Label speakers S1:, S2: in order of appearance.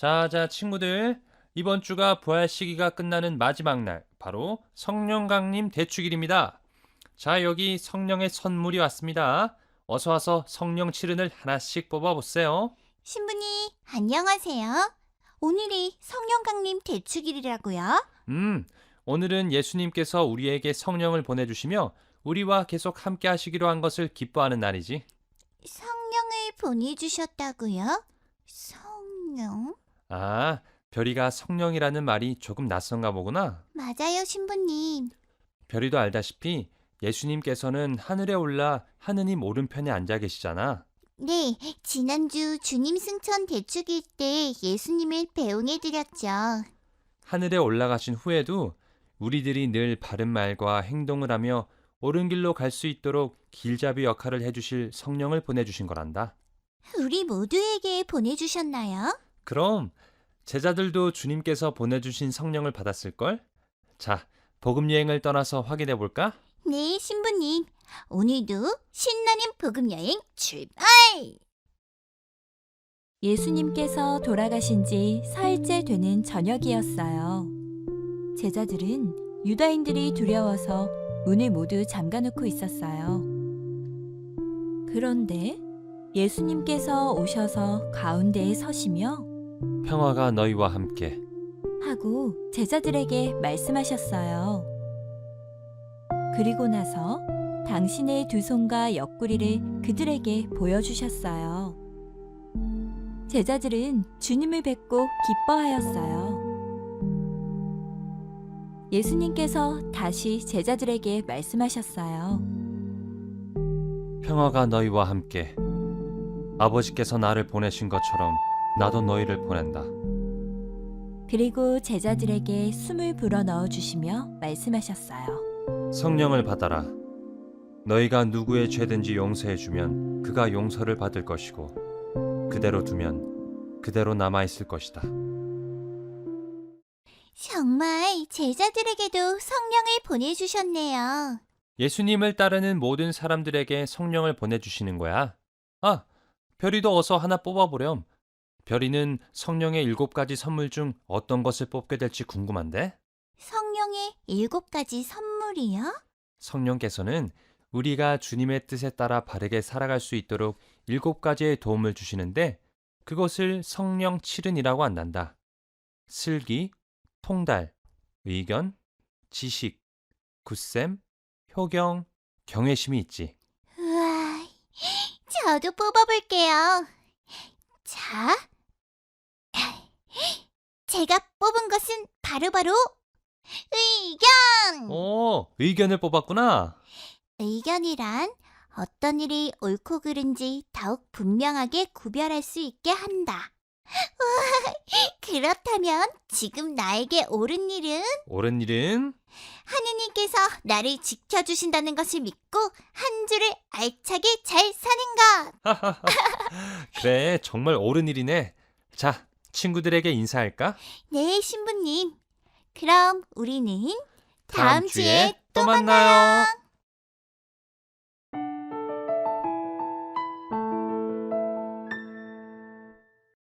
S1: 자, 친구들. 이번 주가 부활 시기가 끝나는 마지막 날, 바로 성령 강림 대축일입니다. 자, 여기 성령의 선물이 왔습니다. 어서 와서 성령 칠흔을 하나씩 뽑아보세요.
S2: 신부님, 안녕하세요. 오늘이 성령 강림 대축일이라고요?
S1: 오늘은 예수님께서 우리에게 성령을 보내주시며 우리와 계속 함께 하시기로 한 것을 기뻐하는 날이지.
S2: 성령을 보내주셨다고요? 성령?
S1: 아, 별이가 성령이라는 말이 조금 낯선가 보구나.
S2: 맞아요, 신부님.
S1: 별이도 알다시피 예수님께서는 하늘에 올라 하느님 오른편에 앉아 계시잖아.
S2: 네, 지난주 주님 승천 대축일 때 예수님을 배웅해드렸죠.
S1: 하늘에 올라가신 후에도 우리들이 늘 바른 말과 행동을 하며 옳은 길로 갈 수 있도록 길잡이 역할을 해주실 성령을 보내주신 거란다.
S2: 우리 모두에게 보내주셨나요?
S1: 그럼 제자들도 주님께서 보내주신 성령을 받았을걸? 자, 복음 여행을 떠나서 확인해 볼까?
S2: 네, 신부님. 오늘도 신나는 복음 여행 출발!
S3: 예수님께서 돌아가신 지 사흘째 되는 저녁이었어요. 제자들은 유다인들이 두려워서 문을 모두 잠가놓고 있었어요. 그런데 예수님께서 오셔서 가운데에 서시며
S1: 평화가 너희와 함께.
S3: 하고 제자들에게 말씀하셨어요. 그리고 나서 당신의 두 손과 옆구리를 그들에게 보여주셨어요. 제자들은 주님을 뵙고 기뻐하였어요. 예수님께서 다시 제자들에게 말씀하셨어요.
S1: 평화가 너희와 함께. 아버지께서 나를 보내신 것처럼 나도 너희를 보낸다.
S3: 그리고 제자들에게 숨을 불어 넣어주시며 말씀하셨어요.
S1: 성령을 받아라. 너희가 누구의 죄든지 용서해주면 그가 용서를 받을 것이고 그대로 두면 그대로 남아있을 것이다.
S2: 정말 제자들에게도 성령을 보내주셨네요.
S1: 예수님을 따르는 모든 사람들에게 성령을 보내주시는 거야. 아, 별이도 어서 하나 뽑아보렴. 별이는 성령의 7가지 선물 중 어떤 것을 뽑게 될지 궁금한데?
S2: 성령의 7가지 선물이요?
S1: 성령께서는 우리가 주님의 뜻에 따라 바르게 살아갈 수 있도록 7가지의 도움을 주시는데 그것을 성령 칠흔이라고 한단다. 슬기, 통달, 의견, 지식, 굳셈, 효경, 경외심이 있지.
S2: 우와, 저도 뽑아볼게요. 자, 제가 뽑은 것은 바로바로 의견!
S1: 의견을 뽑았구나.
S2: 의견이란 어떤 일이 옳고 그른지 더욱 분명하게 구별할 수 있게 한다. 우와, 그렇다면 지금 나에게 옳은 일은
S1: 옳은 일은
S2: 하느님께서 나를 지켜주신다는 것을 믿고 한 주를 알차게 잘 사는 것.
S1: 그래, 정말 옳은 일이네. 자, 친구들에게 인사할까?
S2: 네, 신부님. 그럼 우리는
S1: 다음 주에 또 만나요.